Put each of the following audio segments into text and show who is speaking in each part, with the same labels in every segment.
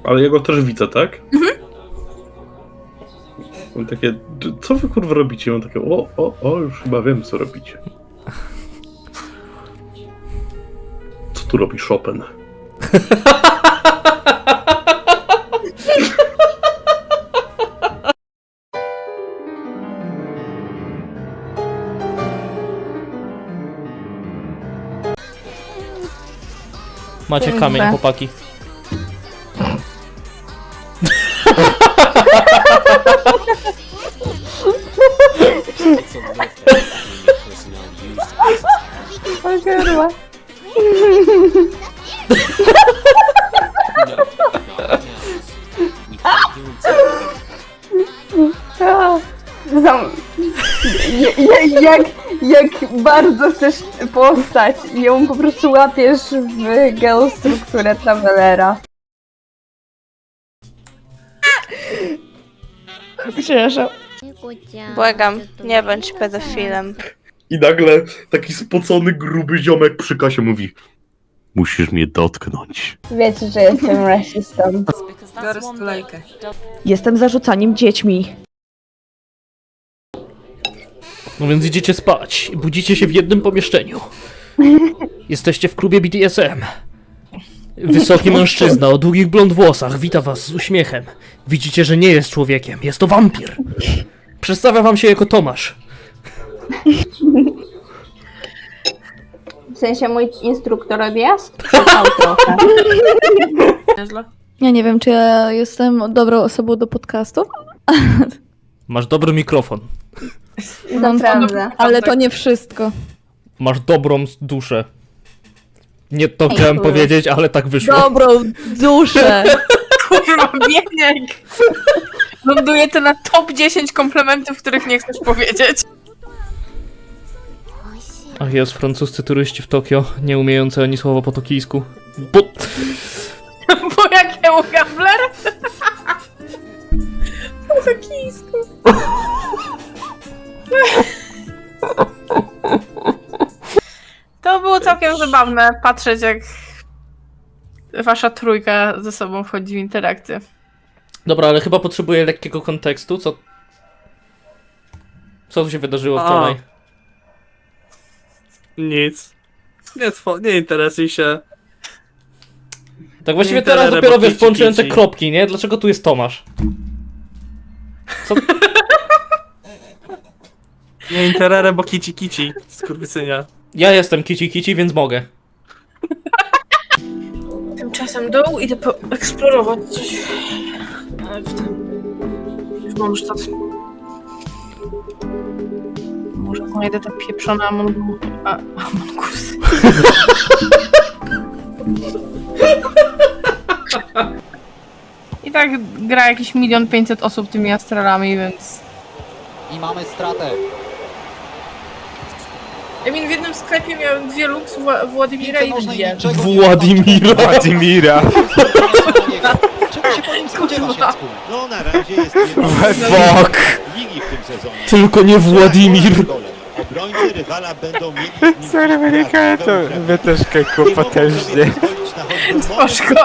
Speaker 1: Ale ja go też widzę, tak?
Speaker 2: Mhm.
Speaker 1: Mam takie, co wy kurwa robicie? Mam takie, już chyba wiem, co robicie. Co tu robi Chopin?
Speaker 3: Macie kamień, chłopaki.
Speaker 2: O kurwa. Jak bardzo chcesz postać i ją po prostu łapiesz w geostrukturę Travelera. Przepraszam.
Speaker 4: Błagam, nie bądź pedofilem.
Speaker 1: I nagle taki spocony, gruby ziomek przy kasie mówi: musisz mnie dotknąć.
Speaker 2: Wiecie, że jestem rasistą.
Speaker 5: Biorę stulejkę.
Speaker 6: Jestem zarzucaniem dziećmi.
Speaker 3: No więc idziecie spać i budzicie się w jednym pomieszczeniu. Jesteście w klubie BDSM. Wysoki mężczyzna o długich blond włosach wita was z uśmiechem. Widzicie, że nie jest człowiekiem, jest to wampir. Przedstawia wam się jako Tomasz.
Speaker 2: W sensie mój instruktor odjazd? Czekał trochę.
Speaker 5: Nieźle.
Speaker 6: Ja nie wiem, czy ja jestem dobrą osobą do podcastu.
Speaker 3: Masz dobry mikrofon.
Speaker 2: Naprawdę.
Speaker 6: Ale to nie wszystko.
Speaker 3: Masz dobrą duszę. Nie to chciałem powiedzieć, ale tak wyszło.
Speaker 6: Dobrą duszę.
Speaker 5: Kurwa, bieniek! Ląduje to na top 10 komplementów, których nie chcesz powiedzieć.
Speaker 3: Ach, jest francuscy turyści w Tokio, nie umiejący ani słowa po tokijsku. Bo...
Speaker 5: Bo jakiemu gambler? Po tokijsku. To było całkiem zabawne patrzeć, jak wasza trójka ze sobą wchodzi w interakcję.
Speaker 3: Dobra, ale chyba potrzebuję lekkiego kontekstu, co... Co tu się wydarzyło wczoraj?
Speaker 7: Nic. Nie interesuj się.
Speaker 3: Tak właściwie
Speaker 7: Nie,
Speaker 3: teraz
Speaker 7: terere,
Speaker 3: dopiero
Speaker 7: bo
Speaker 3: wiesz,
Speaker 7: kici,
Speaker 3: połączyłem te
Speaker 7: kici.
Speaker 3: kropki, nie? Dlaczego tu jest Tomasz? Co?
Speaker 7: Nie interere, bo kici, skurwysynia.
Speaker 3: Ja jestem kici, więc mogę.
Speaker 5: Tymczasem dół idę poeksplorować coś w Mondstadt. Może znajdę te pieprzone Amongusy. I tak gra jakieś 1 500 000 osób tymi astralami, więc...
Speaker 8: I mamy stratę.
Speaker 5: W jednym sklepie miałem 2 lux Władimira i dwie.
Speaker 3: Władimira.
Speaker 8: Władimira. Czego się po nim spodziewasz, Jacku?
Speaker 9: No na razie jest
Speaker 3: Fuck!
Speaker 9: ligi w tym sezonie.
Speaker 3: Tylko nie Władimir.
Speaker 9: Obrońcy rywala będą mieli
Speaker 8: Sorry, wynika to. Wy też keku potężnie.
Speaker 5: Spoczko.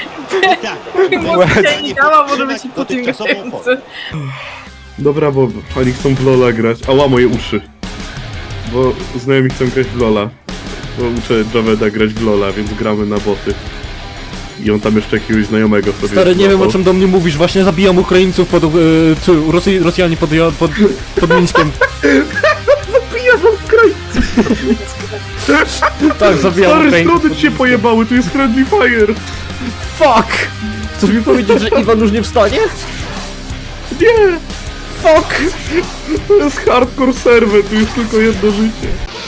Speaker 5: Może nie dała, może być po tym grający.
Speaker 1: Dobra, bo oni chcą w Lola grać. Ała, moje uszy. Bo znajomi chcą grać w Lola. Bo uczę Javeda grać w Lola, więc gramy na boty. I on tam jeszcze jakiegoś znajomego sobie
Speaker 3: Stary, nie wiem,
Speaker 1: złapał.
Speaker 3: o czym do mnie mówisz, właśnie zabijam Ukraińców pod... Rosjanie pod Mińskiem.
Speaker 1: Zabijam Ukraińców!
Speaker 3: Tak, zabijam
Speaker 1: Stary,
Speaker 3: Ukraińców.
Speaker 1: strony ci się pojebały, tu jest Friendly Fire!
Speaker 3: Fuck! Chcesz mi powiedzieć, że Iwan już nie wstanie?
Speaker 1: Nie!
Speaker 3: Fuck!
Speaker 1: To jest hardcore serwer, tu jest tylko jedno życie.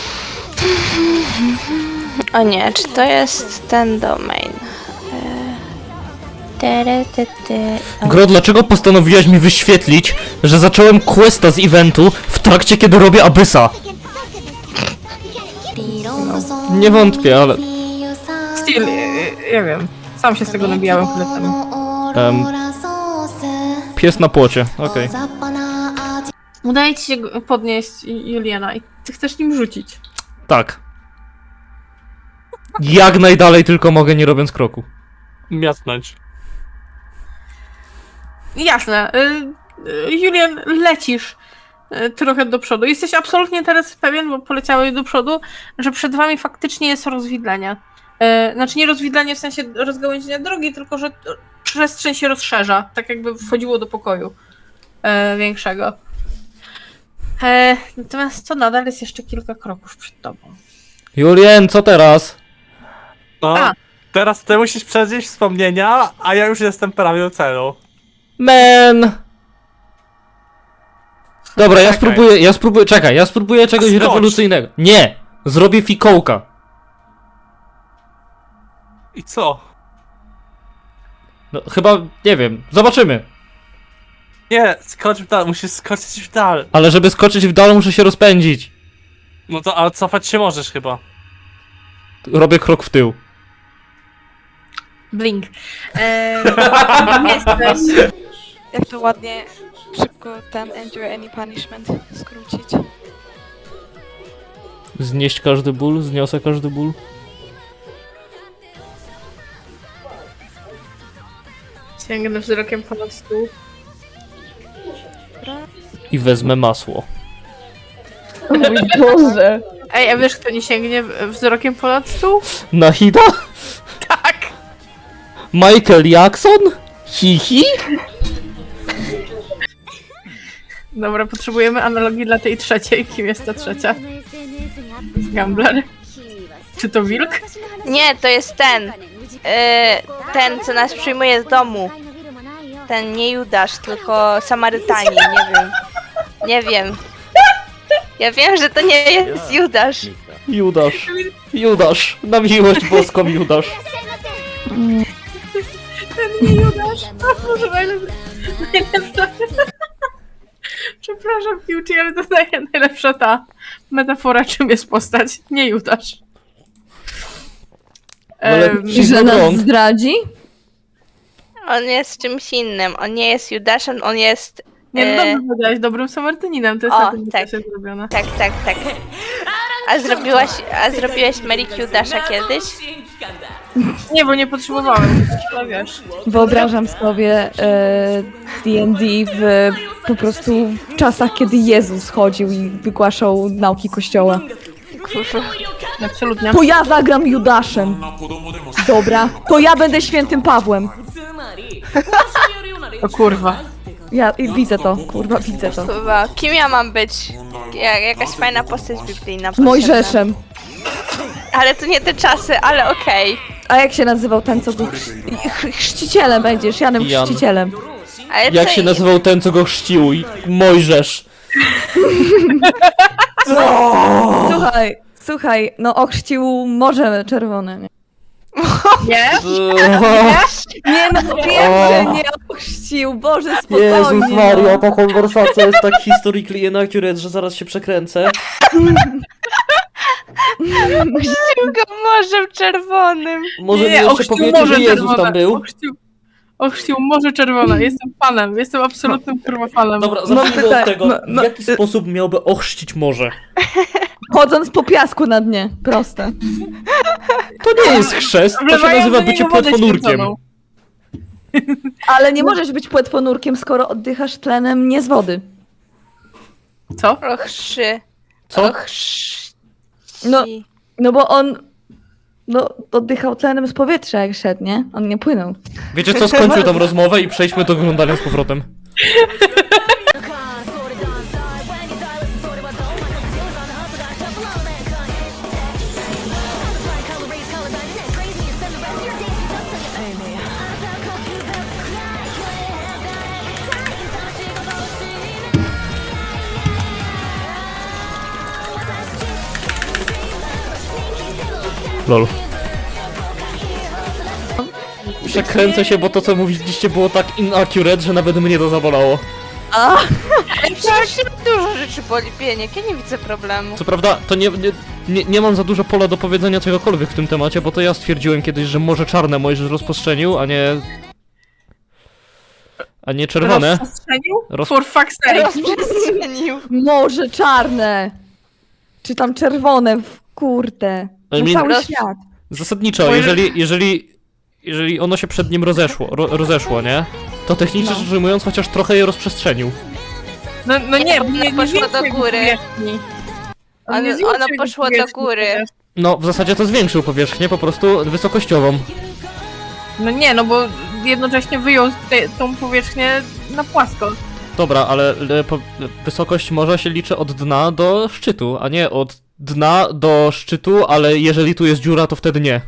Speaker 4: O nie, czy to jest ten domain?
Speaker 3: Gro, dlaczego postanowiłaś mi wyświetlić, że zacząłem questa z eventu w trakcie, kiedy robię Abyssa? Nie wątpię, ale...
Speaker 5: Still, ja wiem. Sam się z tego nabijałem chwilę temu.
Speaker 3: Pies na płocie, okej.
Speaker 5: Udaje ci się podnieść Juliana i ty chcesz nim rzucić.
Speaker 3: Tak. Jak najdalej tylko mogę, nie robiąc kroku.
Speaker 7: Miasnąć.
Speaker 5: Jasne. Julian, lecisz trochę do przodu. Jesteś absolutnie teraz pewien, bo poleciałeś do przodu, że przed wami faktycznie jest rozwidlenie. Znaczy nie rozwidlenie w sensie rozgałęzienia drogi, tylko że przestrzeń się rozszerza, tak jakby wchodziło do pokoju większego. Natomiast to nadal jest jeszcze kilka kroków przed tobą.
Speaker 3: Julien, co teraz?
Speaker 7: No,
Speaker 5: A.
Speaker 7: teraz ty musisz przeżyć wspomnienia, a ja już jestem prawie u celu.
Speaker 3: Man! Dobra, ja
Speaker 7: Czekaj.
Speaker 3: spróbuję, ja spróbuję czegoś
Speaker 7: Skocz.
Speaker 3: rewolucyjnego. Nie! Zrobię fikołka.
Speaker 7: I co?
Speaker 3: No chyba, nie wiem, zobaczymy.
Speaker 7: Nie, skocz w dal, musisz skoczyć w dal.
Speaker 3: Ale żeby skoczyć w dal, muszę się rozpędzić.
Speaker 7: No to, ale cofać się możesz chyba.
Speaker 3: Robię krok w tył.
Speaker 5: Blink.
Speaker 4: Jak to ładnie, szybko ten endure any punishment skrócić.
Speaker 3: Znieść każdy ból, zniosę każdy ból.
Speaker 5: Sięgnę wzrokiem ponad stół.
Speaker 3: I wezmę masło.
Speaker 2: O mój Boże.
Speaker 5: Ej, a wiesz kto nie sięgnie wzrokiem ponad stół?
Speaker 3: Nahida?
Speaker 5: Tak!
Speaker 3: Michael Jackson? Hihi?
Speaker 5: Dobra, potrzebujemy analogii dla tej trzeciej. Kim jest ta trzecia? Gambler? Czy to wilk?
Speaker 4: Nie, to jest ten. Ten, co nas przyjmuje z domu. Ten nie Judasz, tylko Samarytanie, nie wiem. Nie wiem. Ja wiem, że to nie jest Judasz.
Speaker 3: Judasz. Judasz. Na miłość boską Judasz.
Speaker 5: Ten nie Judasz. Może najlepsza. Przepraszam, Piłci, ale to najlepsza ta metafora, czym jest postać. Nie Judasz.
Speaker 3: Ale
Speaker 6: I że nas zdradzi?
Speaker 4: On jest czymś innym. On nie jest Judaszem, on jest...
Speaker 5: Nie, no dobrze powiedziałaś, dobrym Samarytaninem. To jest
Speaker 4: O,
Speaker 5: na tym
Speaker 4: tak.
Speaker 5: jest zrobione.
Speaker 4: Tak. A zrobiłeś Mary Judasza kiedyś?
Speaker 5: Nie, bo nie potrzebowałem. Ale wiesz.
Speaker 6: Wyobrażam sobie D&D w po prostu w czasach, kiedy Jezus chodził i wygłaszał nauki Kościoła.
Speaker 5: Absolutnie.
Speaker 6: To ja zagram Judaszem. Dobra, to ja będę świętym Pawłem.
Speaker 5: O kurwa.
Speaker 6: Ja widzę to, kurwa, widzę to.
Speaker 4: Chyba. Kim ja mam być? Jakaś fajna postać biblijna. potrzebna.
Speaker 6: Mojżeszem.
Speaker 4: Ale to nie te czasy, ale okej.
Speaker 6: A jak się nazywał ten, co był chrzcicielem będziesz, Janem
Speaker 3: Jan.
Speaker 6: Chrzcicielem.
Speaker 4: Ale
Speaker 3: Jak
Speaker 4: co
Speaker 3: się nazywał ten, co go chrzcił? Mojżesz.
Speaker 6: Słuchaj, no ochrzcił Morze Czerwone, nie?
Speaker 5: Nie?
Speaker 6: Nie no, wiem, że nie ochrzcił, Boże, spokojnie.
Speaker 3: Jezus Maria, ta konwersacja jest tak historically inaccurate, że zaraz się przekręcę.
Speaker 4: Chrzcił go Morzem Czerwonym.
Speaker 3: Może mi
Speaker 5: Nie,
Speaker 3: jeszcze
Speaker 5: ochrzcił
Speaker 3: powiecie, że
Speaker 5: Morze
Speaker 3: Jezus
Speaker 5: Czerwone.
Speaker 3: tam był?
Speaker 5: Ochrzcił Morze Czerwone. Jestem fanem. Jestem absolutnym kurwa fanem.
Speaker 3: Dobra, zacznijmy
Speaker 6: pytanie,
Speaker 3: od tego, w jaki sposób miałby ochrzcić morze?
Speaker 6: Chodząc po piasku na dnie, proste.
Speaker 3: To nie jest chrzest, to się
Speaker 5: Wlewają
Speaker 3: nazywa
Speaker 5: do
Speaker 3: bycie
Speaker 5: niego wodę
Speaker 3: płetwonurkiem.
Speaker 5: święconą.
Speaker 6: Ale nie możesz być płetwonurkiem, skoro oddychasz tlenem nie z wody.
Speaker 5: Co?
Speaker 4: Ochrzy.
Speaker 3: Co?
Speaker 4: Ochrzy.
Speaker 6: No bo on... No, oddychał tlenem z powietrza jak szedł, nie? On nie płynął.
Speaker 3: Wiecie co, skończył tą rozmowę i przejdźmy do oglądania z powrotem. Lol. Przekręcę się, bo to co mówiliście było tak inaccurate, że nawet mnie to zabolało.
Speaker 4: Ale przecież dużo rzeczy boli pieniek, ja nie widzę problemu.
Speaker 3: Co prawda, to nie mam za dużo pola do powiedzenia czegokolwiek w tym temacie, bo to ja stwierdziłem kiedyś, że Morze Czarne Mojżesz rozprzestrzenił, a nie czerwone.
Speaker 5: Rozprzestrzenił?
Speaker 3: Roz-
Speaker 5: For fuck's sake.
Speaker 4: Rozprzestrzenił.
Speaker 6: Morze czarne! Czy tam czerwone, kurde.
Speaker 3: I
Speaker 6: No
Speaker 3: mean-
Speaker 6: cały świat.
Speaker 3: Zasadniczo, jeżeli ono się przed nim rozeszło, nie? to technicznie rzecz ujmując chociaż trochę je rozprzestrzenił.
Speaker 5: No nie, bo nie
Speaker 4: poszło do
Speaker 5: zwiększył
Speaker 4: góry.
Speaker 5: powierzchni. On nie
Speaker 4: Ono
Speaker 5: zwiększył
Speaker 4: poszło do
Speaker 5: powierzchni
Speaker 4: góry.
Speaker 5: też.
Speaker 3: No, w zasadzie to zwiększył powierzchnię po prostu wysokościową.
Speaker 5: No nie, no bo jednocześnie wyjął tą powierzchnię na płasko.
Speaker 3: Dobra, ale wysokość morza się liczy od dna do szczytu, a nie od dna do szczytu, ale jeżeli tu jest dziura, to wtedy nie.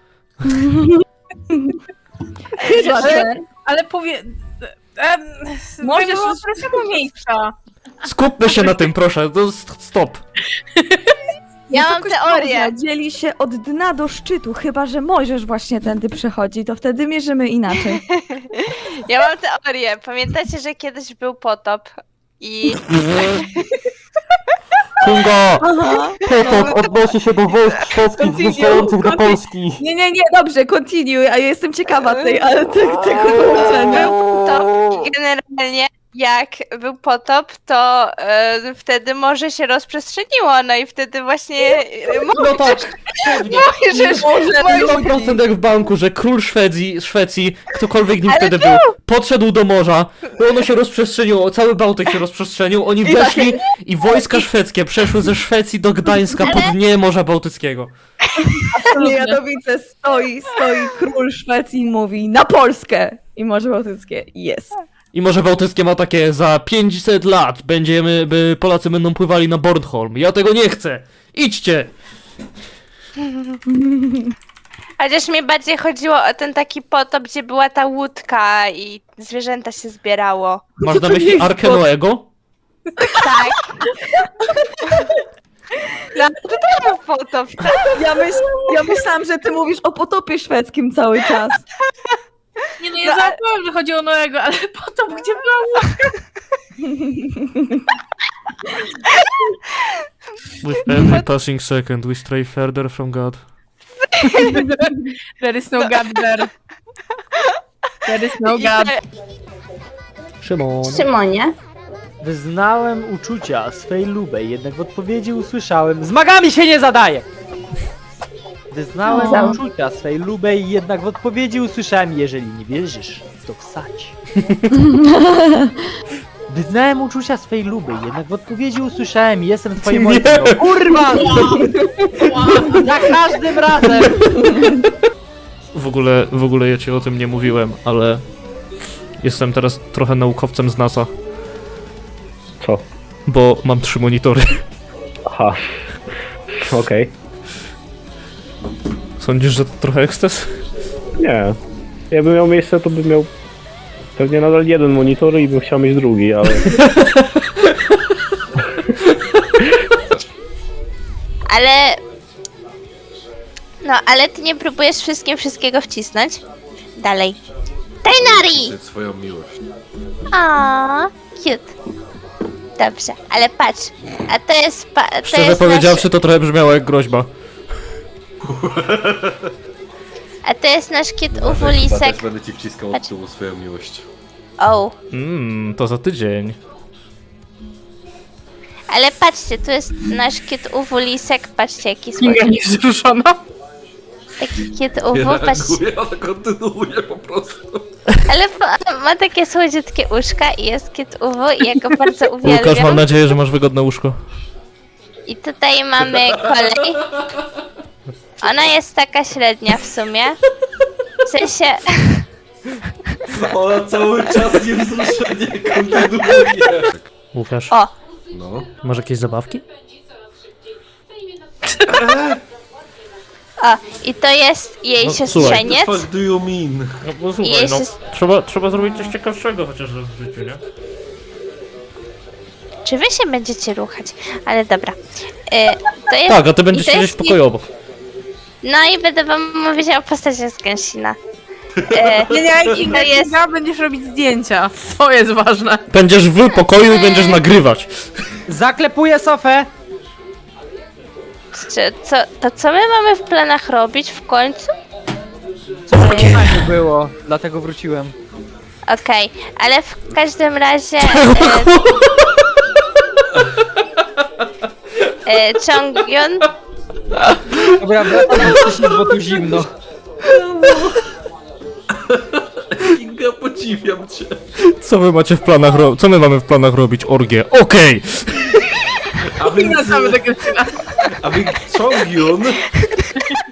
Speaker 5: Ale
Speaker 6: Możesz
Speaker 5: Możesz z prostego miejsca.
Speaker 3: Skupmy się na tym, proszę, to stop.
Speaker 4: Ja mam
Speaker 6: Wysokość
Speaker 4: teorię.
Speaker 6: morza dzieli się od dna do szczytu, chyba że Mojżesz właśnie tędy przechodzi, to wtedy mierzymy inaczej.
Speaker 4: Ja mam teorię. Pamiętacie, że kiedyś był potop i
Speaker 3: Kungo! Potop odnosi się do wojsk szwedzkich zjeżdżających do Polski.
Speaker 6: Nie, dobrze, continue, a ja jestem ciekawa tego połączenia.
Speaker 4: potop i generalnie jak był potop, to wtedy morze się rozprzestrzeniło, no i wtedy właśnie
Speaker 3: No tak, pewnie.
Speaker 4: Mojżesz
Speaker 3: 100% jak w banku, że król Szwecji, ktokolwiek nim wtedy był, podszedł do morza, ono się rozprzestrzeniło, cały Bałtyk się rozprzestrzenił, oni weszli i wojska szwedzkie przeszły ze Szwecji do Gdańska po dnie Morza Bałtyckiego.
Speaker 6: Nie, ja to widzę, stoi król Szwecji i mówi na Polskę! I Morze Bałtyckie, jest.
Speaker 3: I Morze Bałtyckie ma takie, za 500 lat Polacy będą pływali na Bornholm. Ja tego nie chcę! Idźcie!
Speaker 4: Chociaż mi bardziej chodziło o ten taki potop, gdzie była ta łódka i zwierzęta się zbierało.
Speaker 3: Masz na myśli Arkę Noego?
Speaker 4: Tak. No, to był potop, tak?
Speaker 6: Ja myślałam, że ty mówisz o potopie szwedzkim cały czas.
Speaker 5: Nie no, ja zapomniałam, że chodzi o Noego, ale potop, gdzie była
Speaker 3: With every passing second we stray further from God.
Speaker 5: There is no God there. There is no God.
Speaker 3: Szymon.
Speaker 2: Szymonie.
Speaker 10: Wyznałem uczucia swej lubej, jednak w odpowiedzi usłyszałem: zmagami się nie zadaje! Wyznałem uczucia swej lubej, jednak w odpowiedzi usłyszałem: jeżeli nie wierzysz, to wsadź. Wyznałem uczucia swej lubej, jednak w odpowiedzi usłyszałem: jestem twoim ojcem. No, kurwa! Za każdym razem!
Speaker 3: W ogóle ja ci o tym nie mówiłem, ale jestem teraz trochę naukowcem z NASA.
Speaker 11: Co?
Speaker 3: Bo mam 3 monitory.
Speaker 11: Aha. Okej.
Speaker 3: Sądzisz, że to trochę eksces?
Speaker 11: Nie. Jakbym miał miejsce, to bym miał pewnie nadal jeden monitor i bym chciał mieć drugi, ale...
Speaker 4: Ale... No, ale ty nie próbujesz wszystkiego wcisnąć? Dalej. Tainari!
Speaker 1: Swoją miłość.
Speaker 4: Aaaa, cute. Dobrze, ale patrz. A to jest...
Speaker 3: Szczerze powiedziawszy, to trochę brzmiało jak groźba.
Speaker 4: A to jest nasz kit uwulisek.
Speaker 1: Będę ci wciskał od tyłu swoją miłość.
Speaker 4: O.
Speaker 3: To za tydzień.
Speaker 4: Ale patrzcie, tu jest nasz kit uwulisek. Patrzcie, jaki
Speaker 5: Kinga
Speaker 4: słodki.
Speaker 5: niewzruszona.
Speaker 4: Taki kit uwu, patrzcie.
Speaker 1: ale kontynuuję po prostu.
Speaker 4: Ale ma takie słodziutkie uszka i jest kit uwu i ja go bardzo
Speaker 3: Łukasz, mam
Speaker 4: uwielbiam.
Speaker 3: nadzieję, że masz wygodne łóżko.
Speaker 4: I tutaj mamy kolej. Ona jest taka średnia w sumie. W sensie...
Speaker 1: Ona cały czas niewzruszenie kontynuuje.
Speaker 3: Łukasz,
Speaker 4: O!
Speaker 1: No.
Speaker 3: masz jakieś zabawki?
Speaker 4: O! I to jest jej
Speaker 3: No,
Speaker 4: siostrzeniec.
Speaker 1: What do you mean?
Speaker 3: No bo
Speaker 4: I
Speaker 3: słuchaj,
Speaker 4: jej
Speaker 3: no,
Speaker 4: sios-
Speaker 3: trzeba zrobić coś ciekawszego chociaż w życiu, nie?
Speaker 4: Czy wy się będziecie ruchać? Ale dobra. To jest...
Speaker 3: Tak, a ty będziesz
Speaker 4: i to
Speaker 3: siedzieć w
Speaker 4: jest
Speaker 3: pokoju obok.
Speaker 4: No i będę wam mówić o postaci z Gensina.
Speaker 5: Nie,
Speaker 4: I to jest...
Speaker 5: Kinga, będziesz robić zdjęcia. To jest ważne.
Speaker 3: Będziesz w pokoju i będziesz nagrywać.
Speaker 10: Zaklepuję sofę!
Speaker 4: Co my mamy w planach robić w końcu?
Speaker 10: Co fajnie było, dlatego wróciłem.
Speaker 4: Okej, ale w każdym razie... Chongyun...
Speaker 10: Dobra, wracam do wcześniej, bo tu zimno.
Speaker 1: Kinga,
Speaker 12: ja podziwiam cię.
Speaker 3: Co wy macie w planach co my mamy w planach robić? Orgię. Okej!
Speaker 12: A więc...
Speaker 5: Wracamy do Krystyna.
Speaker 12: A więc Chongyun